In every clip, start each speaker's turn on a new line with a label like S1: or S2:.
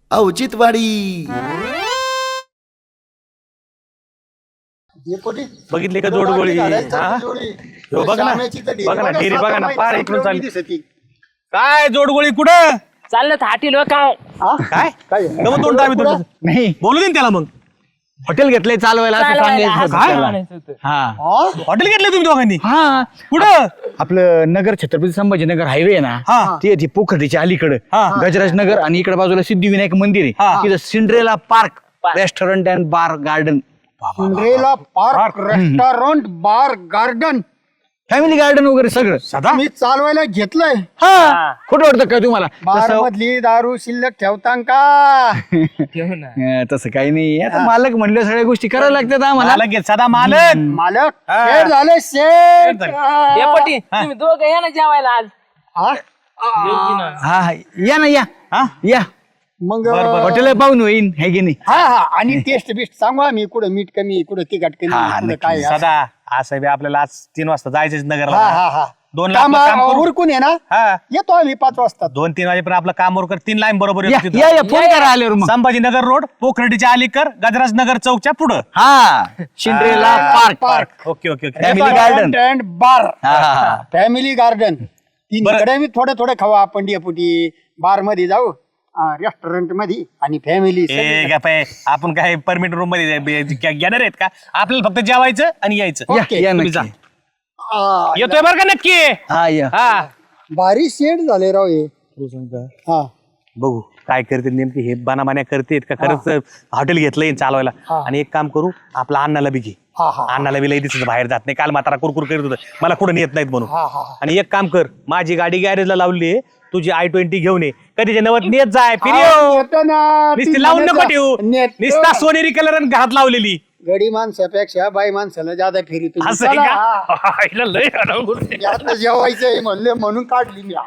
S1: औचित्यवाडी.
S2: बघितले का जोडगोळी? बघा ना डेरी बघा ना पार इकडून चालली. काय जोडगोळी कुठं
S3: चाललं थाटी लोक
S2: काय गमत तोंड आम्ही तुझं
S4: नाही
S2: बोलू दे ना त्याला. मग
S4: हॉटेल घेतलंय चालवायला असं सांगायचं होतं
S2: काय?
S4: त्याला. हा
S2: हॉटेल घेतलं तुम्ही दोघांनी?
S4: हा
S2: कुठं?
S4: आपलं नगर छत्रपती संभाजीनगर हायवे आहे ना
S2: हा.
S4: ती पोखर्डीच्या अलीकडे
S2: हा.
S4: गजराज नगर आणि इकडे बाजूला सिद्धिविनायक मंदिर
S2: हा.
S4: आहे तिथं Cinderella park restaurant and bar garden
S5: Cinderella park restaurant bar garden
S4: family garden वगैरे सगळं
S2: सदा
S5: मी चालवायला घेतलंय.
S4: हा खोटं वाटतं काय तुम्हाला
S5: बार
S4: तसं
S5: मधली दारू शिल्लक ठेवतां का?
S4: तसं काही नाही आता मालक म्हणलं सगळ्या गोष्टी करायला लागतात आम्हाला
S2: मालक घेत सदा मालक.
S5: मालक
S2: हा.
S5: शेठ झाले शेठ.
S3: डेपुटी तुम्ही दोघं या ना जेवायला आज
S5: हा?
S4: हा हा. या ना या
S2: हा?
S4: या
S5: मग
S4: हॉटेल पाहून होईन है की नाही
S5: हा हा आणि टेस्ट बिस्ट सांगू आम्ही कुठं मीठ कमी कुठं तिखट कमी
S4: हा,
S5: कुठं
S4: नक्की.
S5: काय असं.
S2: सदा असं बी आपल्याला आज 3 वाजता जायचंच
S5: हा
S2: नगरला.
S5: हा हा
S2: 2 लाख काम करू.
S5: उरकून आहे ना
S2: हा
S5: येतो आम्ही 5 वाजता.
S2: 2-3 वाजेपर्यंत आपलं काम कर 3 लाईन बरोबर
S4: या
S2: येतो तिथं.
S4: या या, फोन करा आल्यावर मग
S2: संभाजीनगर रोड पोखर्डीच्या अलीकर गजराज नगर चौकच्या पुढं.
S4: हा Cinderella park
S2: okay okay okay.
S4: Family garden
S5: and bar
S4: हा
S5: फॅमिली गार्डन तिकडे मी थोडं खाऊ आपण डेपुटी. बार मध्ये जाऊ रेस्टॉरंट मध्ये आणि फॅमिली
S2: ए गप्पे, आपण काय परमिट रूम मध्ये घेणार आहेत का? आपल्याला फक्त जेवायचं आणि यायचं.
S4: या,
S5: ओके,
S4: या
S2: तुम्ही जा.
S4: नक्की.
S2: येतोय बरं का नक्की?
S4: हा या
S2: हा
S5: भारी शेड झाले राव हे. हा
S2: बघू काय करते नेमकी हे बनामान्या करतेत का खरंच हॉटेल घेतलंय चालवायला. आणि एक काम करू आपला अण्णाला बी घे.
S5: हा हा
S2: अण्णाला बी लई दिसत बाहेर जात नाही. काल म्हातारा कुरकुर करत होतं मला कुठं नेत नाहीत म्हणून.
S5: हा हा
S2: आणि एक काम कर माझी गाडी गॅरेजला लावली आहे तुझी i20 घेऊन ये कधीच्या नवत नेत जाय
S5: हा,
S2: फिर
S5: येतो ना.
S2: नुसती
S5: ती
S2: लावून नको
S5: म्हणायचं,
S2: ठेवू
S5: नेतो.
S2: निस्ता सोनेरी कलर आणि घात लावलेली
S5: गडी माणसापेक्षा बाई माणसाला ज्यादा फेरी तुम्ही.
S2: असं आहे
S5: चला,
S2: का?
S5: हा.
S2: हिला लय अडवून आहे.
S5: यातनं जेवायचंय म्हणले म्हणून काढली मी.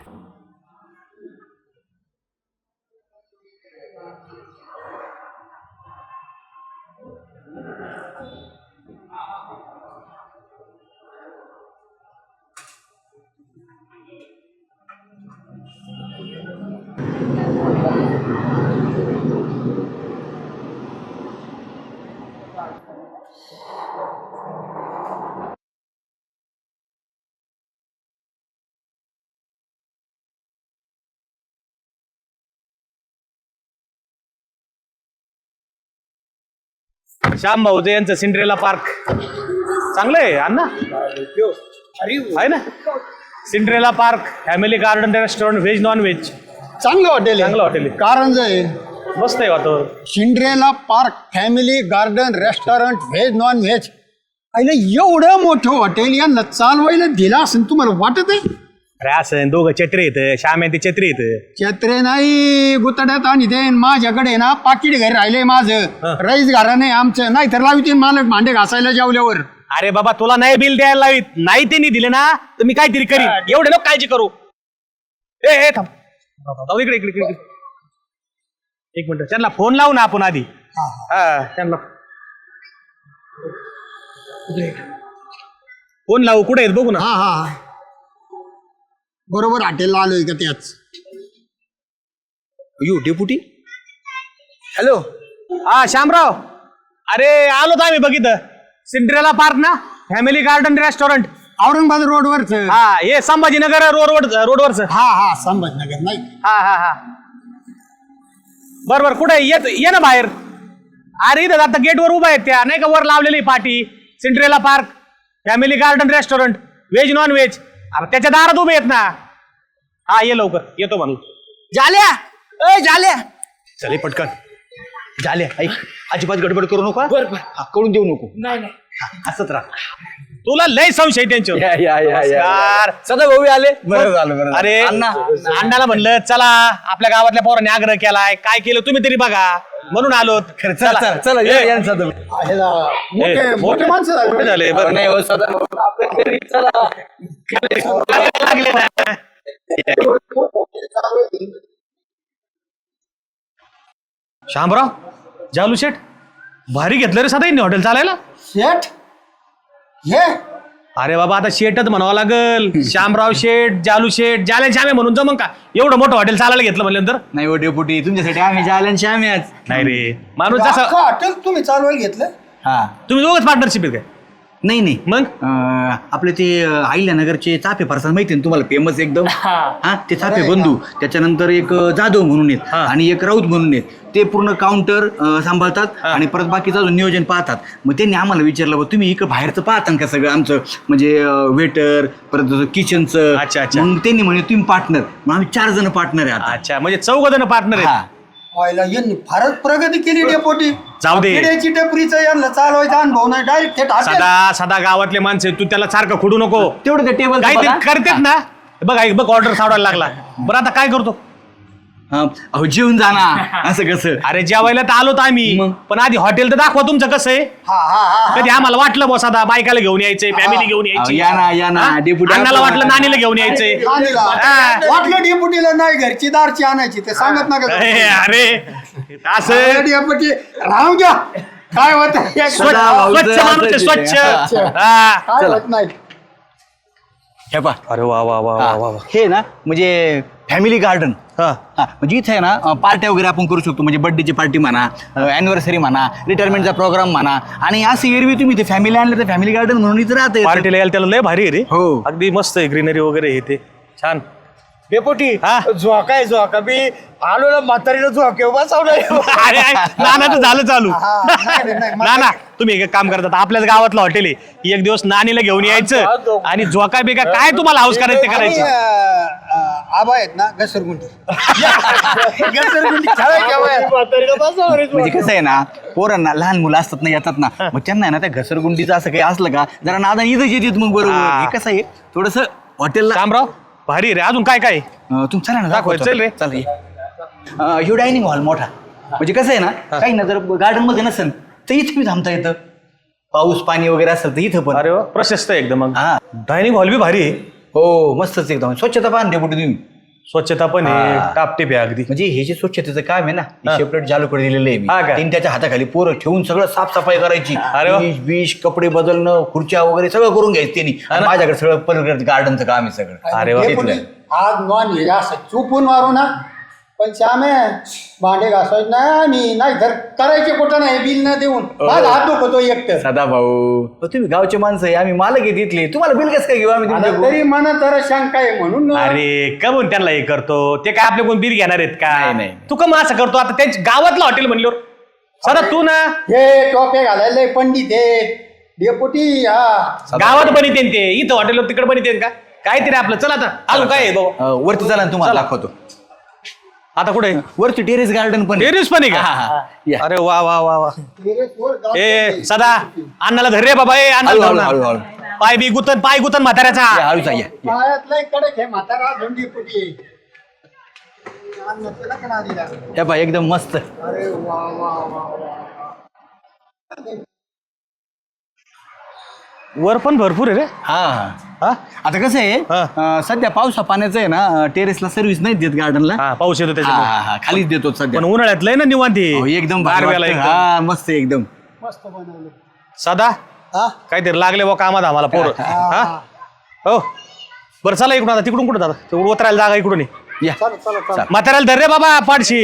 S2: श्याम भाऊचं यांचं सिंड्रेला पार्क चांगलं आहे अण्णा आहे ना. Cinderella park family garden restaurant veg non veg
S5: चांगलं हॉटेल
S2: चांगलं हॉटेल आहे.
S5: कारंजा आहे.
S2: मस्त आहे वातावरण.
S5: Cinderella park family garden restaurant veg non veg. आईला एवढं मोठं हॉटेल यांना चालवायला दिलं असं तुम्हाला वाटत आहे?
S2: अरे असं दोघं चत्रे येतं श्याम आहे ते चत्रे येतं.
S5: छत्रे नाही गुतड्यात आणि ते माझ्याकडे ना पाकिट घरी राहिलंय माझं. रईस घरा नाही आमचं नाही तर लावतील मालक भांडे घासायला जेवल्यावर.
S2: अरे बाबा तुला नाही बिल द्यायला लावित नाही त्यांनी दिले ना तर मी काहीतरी करीन. एवढे नको काळजी करू. ए थांब जाऊ इकडे इकडे इकडे. एक मिनिट त्यांना फोन लावू ना आपण आधी. हा त्यांना फोन लावू. कुठे आहेत बघू ना.
S5: हा हा बरोबर हॉटेलला आलोय का त्याच.
S4: यू डेपुटी हॅलो
S2: हा श्यामराव अरे आलो तर आम्ही बघितलं सिंड्रेला पार्क ना फॅमिली गार्डन रेस्टॉरंट
S5: औरंगाबाद रोडवरच.
S2: हा हे संभाजीनगर रोडवरच.
S5: हा हा संभाजीनगर नाही.
S2: हा हा हा बर बर कुठे येत ये ना बाहेर. अरे इथं आता गेटवर उभा आहेत त्या नाही का वर लावलेली पाटी Cinderella park family garden restaurant veg non veg. त्याच्या दारात उभे आहेत ना. हा ये लवकर येतो म्हणून.
S4: झाल्या ए झाल्या
S2: चले पटकन.
S4: झाल्या ऐक अजिबात गडबड करू नका हा, कळून देऊ नको.
S2: असंच राहा. तुला लय संशय त्यांच्यावर.
S4: या या या या
S2: नमस्कार.
S4: सदा भाऊ आले बरं झालं बरं झालं.
S2: अरे
S4: अण्णा
S2: अण्णाला म्हणलं चला आपल्या गावातल्या पोरांनी आग्रह केलाय काय केलं तुम्ही तरी बघा म्हणून आलोत.
S4: चला चला चला या या सदा भाऊ.
S5: ह्याला मोठे मोठे माणसं झाले.
S2: कुठे झाले बरं
S4: नाही हो, सदा भाऊ, आपल्या घरी चला.
S2: लागले ना. शामराव जालू शेठ भारी घेतलं रे सदा हॉटेल चालायला.
S5: शेठ हे
S2: अरे बाबा आता शेटच म्हणावं लागल. श्यामराव शेठ, जालू शेठ, जाल्या श्यामे म्हणून जमन का? एवढं मोठं हॉटेल चालायला घेतलं म्हणल्यानंतर.
S4: नाही हो डेपुटी, तुमच्यासाठी आम्ही जायला श्याम्याच.
S2: नाही रे माणूस जसं.
S5: अख्खं हॉटेल तुम्ही चालवायला घेतलं?
S4: हा
S2: तुम्ही दोघच पार्टनरशिप आहेत काय?
S4: नाही नाही
S2: मग
S4: आपले ते अहिल्यानगरचे चाफे फरसाण माहिती ना तुम्हाला, फेमस एकदम. हा ते चाफे बंधू, त्याच्यानंतर एक जाधव म्हणून आहेत आणि एक राऊत म्हणून आहेत. ते पूर्ण काउंटर सांभाळतात आणि परत बाकीचं अजून नियोजन पाहतात. मग त्यांनी आम्हाला विचारलं बा तुम्ही इकडं बाहेरचं पाहता का सगळं आमचं, म्हणजे वेटर परत किचनचं.
S2: अच्छा, अच्छा.
S4: मग त्यांनी म्हणे तुम्ही पार्टनर, मग आम्ही 4 जण पार्टनर आहे आता.
S2: अच्छा म्हणजे 4 जण पार्टनर आहेत.
S4: हा.
S5: व्हायला यांनी फारच प्रगती केली डेपोटी.
S2: जाऊ दे.
S5: पिढ्याची टपरीचं यांना चालवायचा अनुभव नाही, डायरेक्ट थेट हॉटेल.
S2: सदा सदा गावातले माणसं तू त्याला सारखं खुडू नको.
S4: तेवढं ते टेबल
S2: काहीतरी करतेत ना. बघ ऑर्डर सावडायला लागला. बरं आता काय करतो?
S4: अहो जेवून जाणार असं कसं.
S2: अरे जेवायला तर आलोत आम्ही,
S4: मग?
S2: पण आधी हॉटेल तर दाखवा तुमचं कसं आहे. कधी आम्हाला वाटलं बॉस आता बायकाला घेऊन यायचंय, फॅमिली घेऊन यायची.
S4: या ना या ना
S2: हा?
S4: डेपुटी.
S2: अण्णाला वाटलं नानीला घेऊन यायचंय.
S5: वाटलं डेपुटीला नाही घरची दारची आणायची, ते सांगत नका.
S2: अरे असं
S5: डेपुटी राहून घ्या, काय होत
S2: स्वच्छ
S4: भाऊ,
S2: स्वच्छ
S4: जरा
S2: माणूस आहे,
S4: असं
S2: स्वच्छ.
S4: ते.
S2: हा.
S5: काय होत नाही.
S4: हे पहा.
S2: अरे वा वा वा वा वा.
S4: हे ना म्हणजे फॅमिली गार्डन.
S2: हा.
S4: म्हणजे इथे आहे ना पार्ट्या वगैरे आपण करू शकतो, म्हणजे बर्थडेची पार्टी म्हणा, अॅनिव्हर्सरी म्हणा, रिटायरमेंटचा प्रोग्राम म्हणा. आणि असं एरवी तुम्ही ते फॅमिली आणलं तर फॅमिली गार्डन म्हणून इथे राहते.
S2: पार्टीला यायला त्याला लय भारी आहे रे.
S4: हो.
S2: अगदी मस्त आहे, ग्रीनरी वगैरे हे ते छान.
S5: डेपुटी
S2: हा?
S5: झोकाय झोका बी आलो ना म्हातारीला झोके बसवलं.
S2: अरे नानाचं झालं चालू.
S5: नाही, नाही,
S2: नाना तुम्ही एक काम करतात, आपल्याच गावातलं हॉटेल आहे, एक दिवस नानीला घेऊन यायचं आणि झोका बिका काय तुम्हाला हाऊस करायचं ते करायचं.
S5: आबा आहेत ना घसरगुंडी. घसरगुंडी खेळायची.
S4: म्हणजे कसं आहे ना, पोरांना लहान मुलं असतात ना, येतात ना, मग त्यांना आहे ना त्या घसरगुंडीचं असं काही असलं का जरा नादा इथंच येतात मग बरोबर.
S2: हा.
S4: हे कसं आहे थोडस हॉटेलला.
S2: शामराव भारी रे. अजून काय काय?
S4: तुम्ही चला ना
S2: दाखव,
S4: दाखवतो.
S2: चल रे.
S4: चल ये. ह्यो डायनिंग हॉल मोठा, म्हणजे कसं आहे ना, काही ना जर गार्डन मध्ये नसेल तर इथे बी थांबता येतं. पाऊस पाणी वगैरे असेल तर इथं पण.
S2: अरे वा, प्रशस्त आहे एकदम. मग
S4: हा.
S2: डायनिंग हॉल बी भारी आहे.
S4: हो मस्तच एकदम. स्वच्छता पाहून डेपुटी तुम्ही.
S2: स्वच्छता पण आहे, टापटीप आहे अगदी.
S4: म्हणजे हे जे स्वच्छतेचं काम आहे ना,
S2: हा.
S4: सेपरेट जालूकडे दिलेलं
S2: हा
S4: आहे
S2: का?
S4: मी. त्याच्या हाताखाली पोरं ठेवून सगळं साफसफाई करायची.
S2: अरे वा.
S4: बीश कपडे बदलणं, खुर्च्या वगैरे सगळं करून घ्यायचं त्यांनी. आणि माझ्याकडे सगळं परत गार्डनचं काम आहे सगळं.
S2: अरे वा.
S5: डेपुटी, आज नॉन व्हेज असं चुपून मारू ना, पण श्यामे भांडे घासायचे नाही मी, नाही तर करायचे कुठं नाही बिल न देऊन. माझा हात दुखतो एकटं.
S4: सदा भाऊ तुम्ही गावचे माणसं आहे, आम्ही मालक आहे तिथले, तुम्हाला बिल कसं काय घेऊ आम्ही
S5: आता
S4: तुमच्या
S5: तरी मनात जरा शंका आहे म्हणून.
S2: अरे कमून त्यांना हे करतो, ते काय आपले कोण बीर घेणार आहेत का?
S4: नाही, नाही.
S2: तू कम असं करतो आता त्यांच्या गावातलं हॉटेल म्हणल्यावर. सदा तू ना
S5: हे टोपे घालायला पंडित हे डेपुटी. हा
S2: गावात बनितेन ते, इथं हॉटेलवर तिकडे बनितेन का? काहीतरी आपलं. चल आता अजून काय आहे बाबा?
S4: वरती चला ना, तुम्हाला दाखवतो.
S2: आता कुठे
S4: वरती टेरेस गार्डन पण आहे.
S2: टेरिस पण आहे
S4: हा, हा,
S2: का?
S4: हा. या.
S2: अरे वा वा वा वा. ए सदा अण्णाला धर रे बाबा.
S4: हळू, हळू, हळू, हळू.
S2: पाय बी गुतन, पाय गुतन म्हाताऱ्याचा.
S4: या, हळूच या, या.
S5: पायातला कडक हे म्हातारा झोंडी डेपुटी. अन्न केलं का नाही दिला?
S4: या पहा, एकदम मस्त.
S5: अरे वा वा वा वा.
S2: वर पण भरपूर आहे रे.
S4: हा
S2: हा?
S4: आता कसं आहे सध्या पावसा पाण्याचं आहे ना, टेरेसला सर्व्हिस नाही देत गार्डनला.
S2: हा पाऊस येतो त्याच्यामुळे.
S4: खालीच देतो सध्या.
S2: पण उन्हाळ्यात लय ना निवांत आहे.
S4: हो, एकदम भारी
S2: गारव्याला
S4: वाटतं.
S2: एकदम.
S4: हा मस्त आहे एकदम.
S5: मस्त बनवलं.
S2: सदा
S5: हा
S2: काहीतरी लागले बा कामात आम्हाला पोर. हा हो बरं चला इकडून. आता तिकडून कुठं दादा? ते उतरायला जागा इकडून आहे.
S4: या
S5: चला चला चला.
S2: म्हाताऱ्याला धर रे बाबा पाडशी.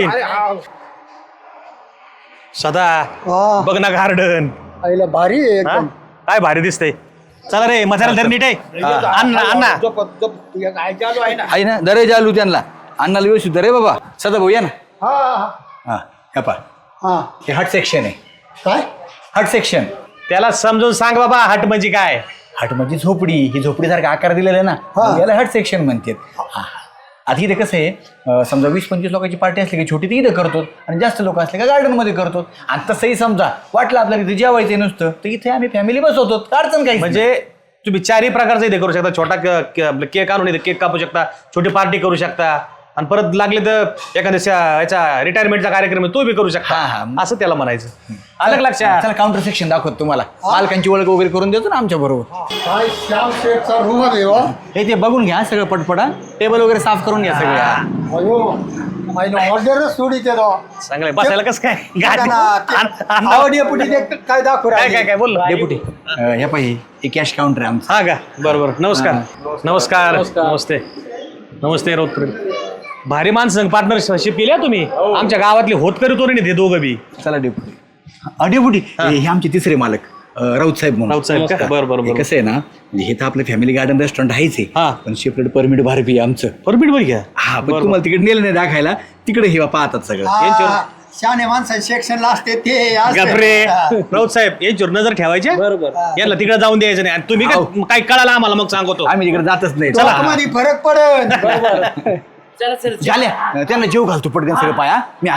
S2: सदा
S5: हा.
S2: बघ ना गार्डन.
S5: आईला भारी आहे एकदम.
S2: काय भारी दिसतंय. चला रे म्हाताऱ्याला धर नीट आहे. अण्णा अण्णा
S4: आहे ना, दरे जालू त्यांना अन्नाला व्यवस्थित दरे बाबा. सदा भाऊ या ना.
S5: हा हा
S4: हा हे पहा,
S5: हा.
S4: हे हट सेक्शन आहे.
S5: काय
S4: हट सेक्शन.
S2: त्याला समजून सांग बाबा हट म्हणजे काय.
S4: हट म्हणजे झोपडी. ही झोपडीसारखा आकार दिलेला आहे ना,
S5: हा.
S4: याला हट सेक्शन म्हणतात. हा. आता इथे कसं आहे, समजा 20-25 लोकांची पार्टी असली की छोटी ती इथं करतो, आणि जास्त लोक असले का गार्डनमध्ये करतो. आणि तसंही समजा वाटलं आपल्याला इथे जेवायचं नसतं तर इथे आम्ही फॅमिली बसवतो, अडचण काही
S2: म्हणजे तुम्ही चारही प्रकारचं इथे करू शकता. छोटा केक आणून इथे केक कापू शकता, छोटी पार्टी करू शकता. आणि परत लागले तर एखाद्या याचा रिटायरमेंटचा कार्यक्रम आहे, तो बी करू शकता. असं त्याला म्हणायचं. आलं का लक्षात?
S4: चला काउंटर सेक्शन दाखवत तुम्हाला मालकांची ओळख वगैरे करून देतो ना आमच्या बरोबर.
S5: काय श्याम शेठचा रूम आहे हो.
S4: हे ते बघून घ्या सगळं पटपटा, टेबल वगैरे साफ करून घ्या सगळ्या.
S5: अयो माझी ऑर्डरच सोडी ते
S2: चांगलंय. बसायला कसं काय गाडी-
S5: आवड पुढे काय दाखव
S2: काय काय काय बोल.
S4: डेपुटी ह्या पाहिजे हे कॅश काउंटर आहे आमचं.
S2: हा का? बरोबर. नमस्कार. नमस्कार. नमस्ते. नमस्ते रोज भारी माणसं पार्टनरशिप केली तुम्ही. आमच्या गावातले होतकरी तोरणी ते दोघं बी.
S4: चला डेपुटी. डेपुटी हे आमचे तिसरे मालक राऊत साहेब म्हणून.
S2: राऊत साहेब का? बरं
S4: हे कसं आहे ना, म्हणजे हे तर आपलं फॅमिली गार्डन रेस्टॉरंट आहेच
S2: हा.
S4: आहे, पण सेपरेट परमिट भारती आहे आमचं.
S2: परमिट बरं घ्या.
S4: हा पण तुम्हाला तिकडे नेलं नाही दाखायला, तिकडे हे पाहतात सगळं.
S5: शाने माणसं सेक्शनला असते ते
S2: गप्रे. राऊत साहेब यांच्यावर नजर ठेवायची.
S3: बरोबर.
S2: यांना तिकडे जाऊन द्यायचं नाही. आणि तुम्ही काय कळाला आम्हाला मग सांगतो.
S4: आम्ही तिकडे जातच नाही.
S5: चला मध्ये फरक पडन.
S3: चला चला
S4: झाल्या त्यांना जेव घालतो पटकन सगळं पाया. मी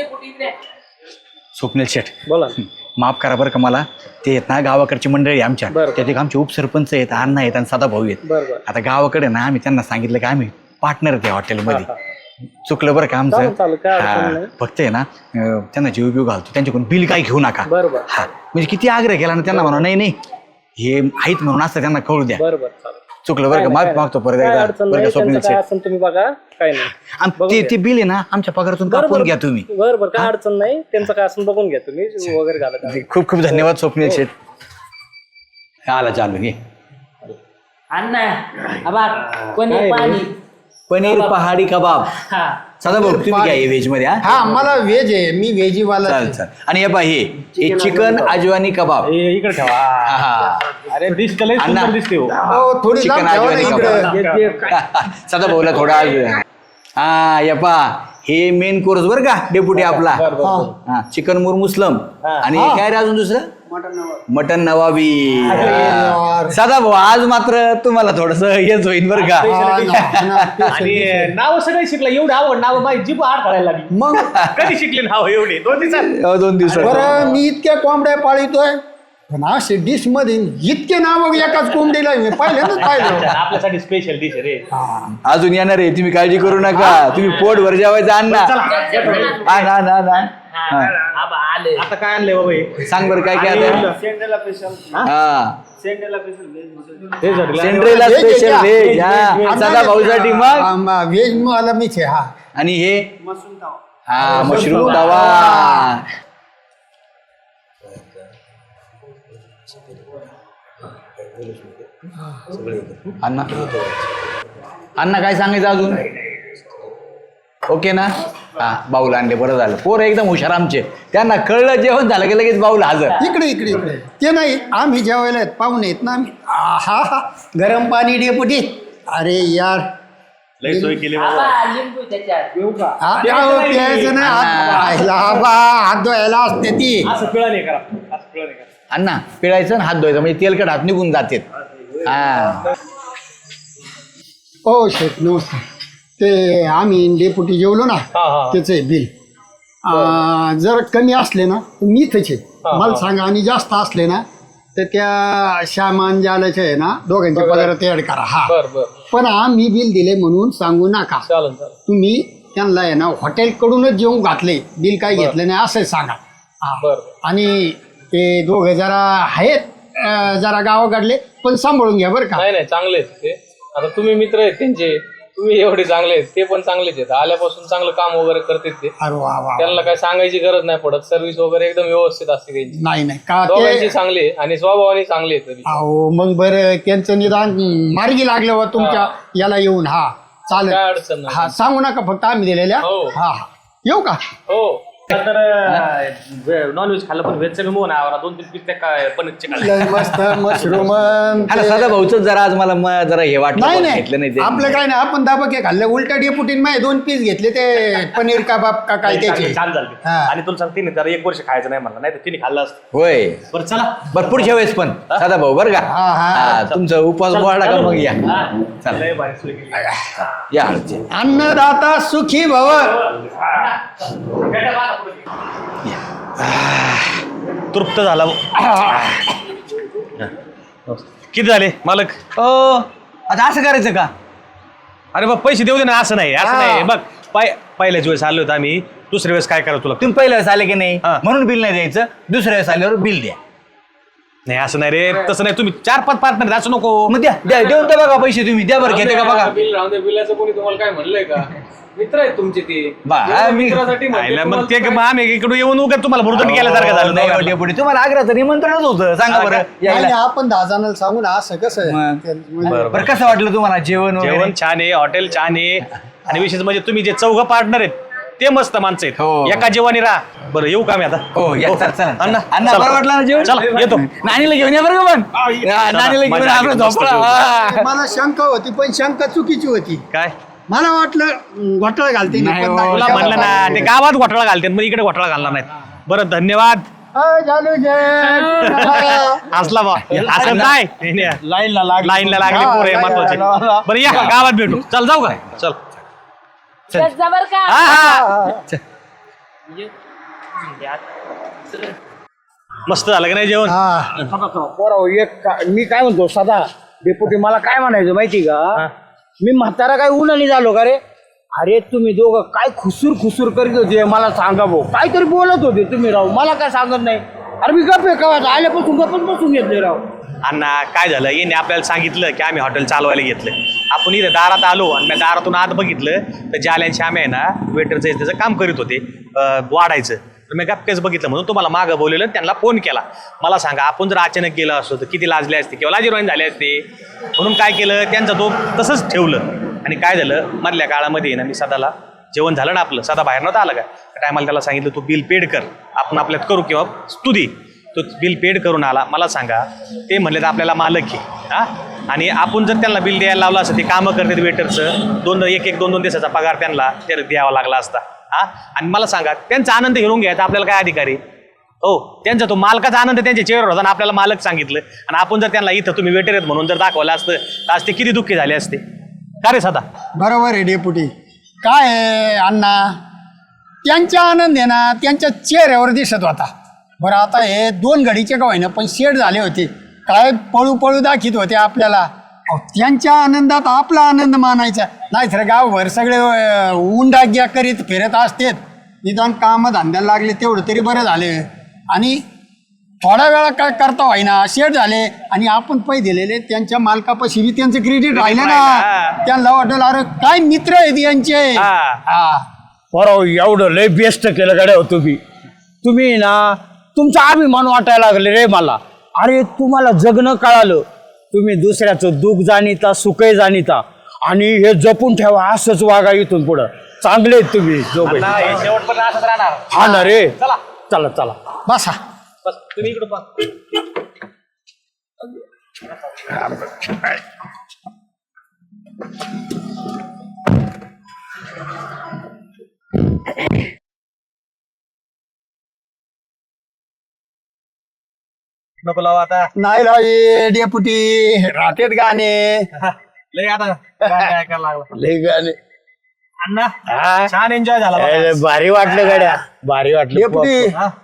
S4: स्वप्नील शेठ
S3: बोला.
S4: माफ करा बरं का मला, ते आहेत ना गावाकडची मंडळी आमच्या, त्यात एक आमचे उपसरपंच आहेत, अण्णा आहेत आणि सदा भाऊ आहेत. आता गावाकडे ना आम्ही त्यांना सांगितलं की आम्ही पार्टनर आहे त्या हॉटेलमध्ये. चुकलं बरं का आमचं. फक्त आहे ना त्यांना जीव बिव घालतो, त्यांच्याकडून बिल काही घेऊ नका. हा म्हणजे किती आग्रह केला ना त्यांना म्हणा नाही नाही हे आहेत म्हणून असं त्यांना कळू द्या. चुकलं बरं का, माफ मागतो परत एकदा बरं का स्वप्नील शेठ.
S3: तुम्ही बघा काय नाही.
S4: आणि ते बिल आहे ना आमच्या पगारातून कापून घ्या तुम्ही.
S3: बरोबर काय अडचण नाही. त्यांचं काय असं बघून घ्या तुम्ही वगैरे घाला.
S4: खूप खूप धन्यवाद स्वप्नील शेठ. आला चालू घे.
S3: अण्णा आबा कोणी पाणी
S4: पनीर पहाडी कबाब. सदा भाऊ तुम्ही घ्या हे व्हेज मध्ये.
S5: हा मला व्हेज आहे, मी व्हेजीवाला.
S4: चाल चाल. आणि हे पहा हे चिकन अजवानी कबाब.
S2: इकडे ठेवा.
S4: हा.
S2: अरे डिश तर लई
S4: अण्णा.
S2: सुंदर दिसते हो.
S5: हो थोडी
S4: चिकन
S5: लांब ठेवा ना
S4: अजवानी
S5: इकडे.
S4: कबाब. सदा भाऊला थोडा हा या पहा हे मेन कोर्स बरं का डेपुटी आपला. हा चिकन मुरमुसलम. आणि हे काय रे अजून दुसरं मटन नवाबी. सदा भाऊ आज मात्र तुम्हाला थोडस हेच होईल बरं का.
S2: आणि नाव सगळे शिकला. एवढी आवड नाव माझी जीभ आड करायला लागली.
S5: मग
S2: कधी शिकले नाव एवढे? 2 दिवसात.
S4: 2 दिवसात.
S5: बरं मी इतक्या कोंबड्या पाळितोय, पण असे डिश मध्ये इतके नाव एकाच कोंबडीला मी पहिल्यांदाच पाहिलं.
S2: आपल्यासाठी स्पेशल डिश रे.
S4: अजून येणार आहे, तुम्ही काळजी करू नका. तुम्ही पोट भर जेवायचं अण्णा.
S3: आबा आले.
S2: आता काय आणलंय बाबा हे?
S4: सांग बरं काय काय आता. हा
S2: सेंड्रेला
S4: सेंड्रेला स्पेशल व्हेज. हा सदा भाऊसाठी मग.
S5: व्हेज मला मीच आहे. हा
S4: आणि हे हा मशरूम तवा. अण्णा अण्णा काय सांगायचं अजून? ओके ना. हा बाऊल आणले बरं झालं. पोरं एकदम हुशार आमचे, त्यांना कळलं जेवण झालं की लगेच बाऊल हजर.
S5: इकडे इकडे इकडे ते नाही आम्ही जेवायला आहेत, पाहुणे आहेत ना आम्ही. हा हा गरम पाणी डेपुटी. अरे यार
S2: लई सोय केली बाबा.
S3: आबा लिंबू त्याच्यात.
S5: प्यायचं नाही. हात धुवायला असते ती.
S2: असं पिळा नाही करा. असं पिळा नाही करा.
S4: अण्णा पिळायचं आणि हात धुवायचं म्हणजे तेलकट हात निघून जाते. हा
S5: ओ शेठ नमस्कार. ते आम्ही डेपुटी जेवलो ना त्याचं बिल जर कमी असले ना तर मी इथंच आहे. मला सांगा. आणि जास्त असले ना तर त्या श्यामान जालाचे आहे ना दोघांच्या पगारात ऍड करा. हा पण आम्ही बिल दिले म्हणून सांगू नका. तुम्ही त्यांना आहे ना हॉटेलकडूनच जेवून घातले, बिल काय घेतलं नाही असं सांगा. आणि ते दोघे जरा आहेत जरा गावाकडले, पण सांभाळून घ्या बरं का.
S1: नाही नाही चांगले आहेत ते. आता तुम्ही मित्र आहेत त्यांचे, तुम्ही एवढे चांगले आहेत, ते पण चांगलेच आहेत. आल्यापासून चांगलं काम वगैरे करतात ते.
S5: अरे वा वा.
S1: त्यांना काय सांगायची गरज नाही पडत. सर्व्हिस वगैरे एकदम व्यवस्थित असते त्यांची.
S5: नाही नाही का
S1: दोघांची
S5: ते
S1: चांगली आहे आणि स्वभावाने चांगली आहे तरी.
S5: अहो मग बरं त्यांचं निदान मार्गी लागलं वा तुमच्या याला येऊन. हा चालेल.
S1: काय अडचण नाही.
S5: हा सांगू नका फक्त आम्ही दिलेल्या.
S1: हो.
S5: हा हा येऊ का.
S1: हो
S2: तर नॉनव्हेज खाल्लं पण व्हेज सगळं मोहन आवरा. 2-3 पीस त्या काय पनीरचे खाल्ले.
S5: लय मस्त मशरूम.
S4: सदा भाऊच जरा आज मला जरा हे वाटलं
S5: नाही
S4: पण घेतलं
S5: नाही
S4: नाही ते.
S5: आपलं काय नाही. आपण दाबके खाल्ले उलटा डेपुटीन माय 2 पीस घेतले ते पनीर कबाब का काय त्याचे.
S2: छान झाले.
S5: हा.
S2: आणि तुला सांगते ना जरा 1 वर्ष खायचं नाही म्हणलं, नाही तर तिने खाल्लं असतं.
S4: होय
S2: बरं चला.
S4: बरं पुढच्या वेळेस पण सदा भाऊ बरं का.
S5: हा, हा.
S4: हा, तुमचा उपवास वाढला का मग या. चला.
S2: लय भारी सोय केली.
S4: या हळूचे.
S5: अन्नदाता सुखी भव.
S2: तृप्त झाला. किती झाले मालक?
S4: आता असं करायचं का?
S2: अरे बघ पैसे देऊ दे ना. असं नाही असं नाही. बघ पहिल्याच वेळेस आलो होतो आम्ही, दुसऱ्या वेळेस काय करा तुला?
S4: तुम्ही पहिल्या वेळेस आले की नाही
S2: हा.
S4: म्हणून बिल नाही द्यायचं, दुसऱ्या वेळेस आल्यावर बिल द्या.
S2: नाही असं नाही रे, तसं नाही. तुम्ही 4-5 पार्टनर असं नको.
S4: मग द्या देऊन तर बघा पैसे, तुम्ही द्या बरं, घेते का बघा.
S1: बिल राहून दे, बिलाचं कोणी तुम्हाला काय म्हणलंय का? मित्र आहेत तुमचे ते.
S4: बा,
S1: एवढ्या
S4: मी-
S1: मित्रासाठी म्हणते
S2: आईला मग
S1: तुम्हाला
S2: ते
S1: काय?
S2: मग आम्ही इकडे येऊन उगाच तुम्हाला भुरदंड केल्यासारखं झालं.
S4: नाही
S2: दोघांना.
S4: डेपुटी, तुम्हाला आग्रहाचं निमंत्रणच होतं, सांगा बरं
S5: नाही
S4: यायला.
S5: नाही, आपण 10 जणांना सांगू ना असं कसं
S4: मग.
S5: म्हणजे
S4: बरं कसं वाटलं तुम्हाला जेवण वगैरे?
S2: जेवण छान आहे, हॉटेल छान आहे, आणि विशेष म्हणजे तुम्ही जे 4 पार्टनर आहेत ते मस्त माणसं आहेत.
S4: हो.
S2: एका जेवणी राहा. बरं येऊ का मी आता?
S4: हो या, चला, चला.
S2: अण्णा,
S4: अण्णा
S2: चला.
S4: बरं वाटलं ना जेवण?
S2: चला येतो.
S4: नानीला घेऊन या बरं का पण. नानीला घेऊन
S2: माझ्या
S4: आपलं
S2: आईला मस्त
S4: झोपडा.
S2: जेवण.
S4: हा.
S5: मला शंका होती पण शंका चुकीची होती.
S2: काय
S5: मला वाटलं घोटाळा घालते
S4: नाही हो,
S2: तुला म्हणलं ना, ते गावात घोटाळा घालतात, मग इकडे घोटाळा घालणार नाहीत. बरं धन्यवाद. हसला बा असं नाही. लाईनला लागले पोरं महत्वाचे. बरं या गावात भेटू. चल जाऊ का? चल
S6: जबर का
S2: हा हा. मस्त झालं का नाही जेवण?
S3: मी काय म्हणतो सदा डेपुटी, मला काय म्हणायचं माहिती का? मी म्हातारा काय उन्हाने झालो का रे? अरे तुम्ही दोघं काय खुसूर करीत होते मला सांगा भाऊ, काहीतरी बोलत होते तुम्ही राव, मला काय सांगत नाही. अरे मी गप आहे का आल्यापासून गप्पच बसून घेतले राव.
S2: अण्णा काय झालं, येणे आपल्याला सांगितलं की आम्ही हॉटेल चालवायला घेतलं. आपण इथे दारात आलो आणि मी दारातून आत बघितलं तर जाल्यांशी आम्ही आहे ना वेटरचं त्याचं काम करीत होते, वाढायचं. तर मी गप्पेच बघितलं म्हणून तुम्हाला मागं बोलवलं, त्यांना फोन केला. मला सांगा आपण जर अचानक गेलं असतो तर किती लाजले असते किंवा लाजीरवाणी झाले असते. म्हणून काय केलं, त्यांचा तो तसंच ठेवलं. आणि काय झालं, मधल्या काळामध्ये ना मी सदाला जेवण झालं ना आपलं, सदा बाहेर नव्हता आला का, त्या टायमाला त्याला सांगितलं तू बिल पेड कर, आपण आपल्यात करू किंवा तू दे. तो बिल पेड करून आला. मला सांगा ते म्हणले तर आपल्याला मालक आहे हा, आणि आपण जर त्यांना बिल द्यायला लावलं असतं, ते कामं करतात वेटरचं, 2 दिवसाचा पगार त्यांना ते द्यावा लागला असता हा. आणि मला सांगा त्यांचा आनंद घेऊन घ्यायचा आपल्याला काय अधिकार आहे? हो, त्यांचा तो मालकाचा आनंद त्यांच्या चेहऱ्यावर होता आणि आपल्याला मालक सांगितलं. आणि आपण जर त्यांना इथं तुम्ही वेटर आहेत म्हणून जर दाखवलं असतं तर आज ते किती दुःखी झाले असते का रे सदा?
S5: बरोबर आहे डेपुटी. काय आहे अण्णा, त्यांचा आनंद आहे ना त्यांच्या चेहऱ्यावर दिसत होता. बरं आता हे 2 घडीचे का होईना पण शेड झाले होते, काय पळू दाखित होते आपल्याला. अहो, त्यांच्या आनंदात आपला आनंद मानायचा नाही तर गावभर सगळे उंडाग्या करीत फिरत असतेत. निदान काम धंद्याला लागले तेवढं तरी बरं झाले. आणि थोड्या वेळा काय करता होईना शेड झाले आणि आपण पै दिलेले त्यांच्या मालकापाशी बी त्यांचं क्रेडिट राहिलं ना. त्यांना वाटेल अरे काय मित्र आहेत यांचे. हा
S3: बरं एवढं लय बेस्ट केलं गाड्या तुम्ही ना, तुमचा अभिमान वाटायला लागले रे मला. अरे तुम्हाला जगणं कळालं, तुम्ही दुसऱ्याचं दुःख जाणीता सुखही जाणीता, आणि हे जपून ठेवा, असंच वागा इथून पुढं. चांगले आहेत तुम्ही दोघे.
S2: शेवटपर्यंत असंच राहणार.
S3: हा ना रे,
S2: चला
S3: चला चला.
S5: बसा.
S2: बस तुम्ही इकडे पहा. नको लावा आता.
S5: नाही राही डेपुटी, राहतेत गाणे
S2: लय आता काय करायला लागला
S3: लय गाणे.
S2: अण्णा
S3: हा?
S2: छान एन्जॉय झाला बघा.
S3: भारी वाटलं गाड्या, भारी वाटलं.
S5: डेपुटी
S2: हा.